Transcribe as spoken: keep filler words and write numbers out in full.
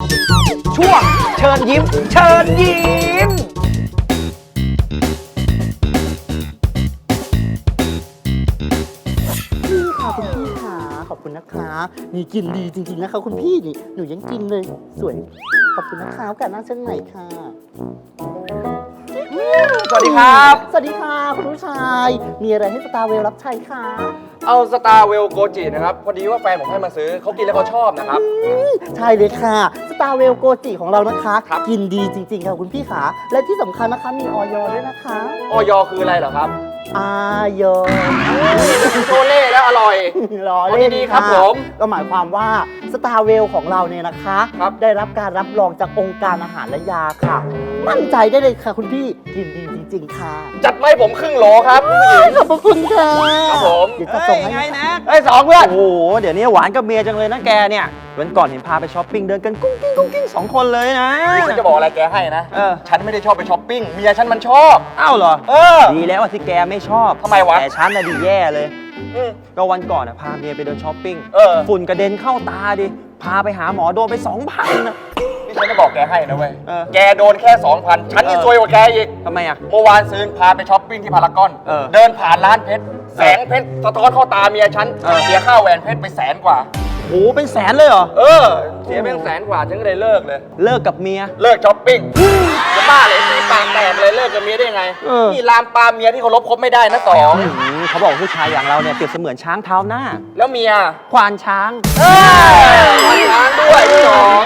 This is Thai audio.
ช่วงเชิญยิ้มเชิญยิ้มพี่ค่ะคุณพี่ค่ะขอบคุณนะคะนี่กินดีจริงๆนะคะคุณพี่นี่หนูยังกินเลยสวยขอบคุณนะคะโอกาสหน้าเช่นไหนค่ะสวัสดีครับสวัสดีค่ะคุณผู้ชายมีอะไรให้สตาร์เวลรับใช้คะเอาสตาร์เวลโกจินะครับพอดีว่าแฟนผมให้มาซื้อเขากินแล้วเขาชอบนะครับใช่เลยค่ะสตาร์เวลโกจิของเรานะคะครับกินดีจริงๆค่ะคุณพี่ขาและที่สำคัญนะคะมีออยด้วยนะคะออยคืออะไรเหรอครับอายอโชเล่แล้วอร่อยรอเล่นดีๆครับะผมก็หมายความว่าสตาร์เวลของเราเนี่ยนะคะครับได้รับการรับรองจากองค์การอาหารและยาค่ะ มั่นใจได้เลยค่ะคุณพี่กินดีจริงๆค่ะจัดไม่ผมครึ่งโหลครับผู้หญิงขอบพระคุณค่ะครับผมเดี๋ยวจะส่งให้ไงนะเฮ้ยสองเพื่อนโอ้โห เดี๋ยวนี้หวานกับเมียจังเลยนะแกเนี่ยวันก่อนเห็นพาไปช้อปปิ้งเดินกันกุ้งกิ้งกุ้งกิ้งสองคนเลยนะนี่ฉันจะบอกอะไรแกให้นะเออฉันไม่ได้ชอบไปช้อปปิ้งเมียฉันมันชอบอ้าวเหรอเออดีแล้วอะที่แกไม่ชอบทำไมวะแต่ฉันน่ะดีแย่เลยอืมก็วันก่อนอะพาเมียไปเดินช้อปปิ้งเออฝุ่นกระเด็นเข้าตาดิ พาไปหาหมอโดนไปสองพันนะนี่ฉันจะบอกแกให้นะเว้ยเออแกโดนแค่ สองพัน ฉันนี่เออซวยกว่าแกอีกทำไมอะเมื่อวานซื้อพาไปช้อปปิ้งที่พารากอนเออเดินผ่านร้านเพชร แสงเพชรสะท้อนเข้าตาเมียฉันเออเสียค่าแหวนเพชรไปแสนกว่าโอ้โหเป็นแสนเลยเหรอเออ เสียเป็นแสนกว่า ฉันก็เลยเลิกเลยเลิกกับเมียเลิกช้อปปิ้ง จะบ้าเลยมีปากแตกเลยเลิกกับเมียได้ไงเออนี่ลามปามเมียที่เคารพคบไม่ได้นะสองอื้อหือเขาบอกผู้ชายอย่างเราเนี่ยเปรียบเสมือนช้างเท้าหน้าแล้วเมียควานช้างเออช้างด้วยสอง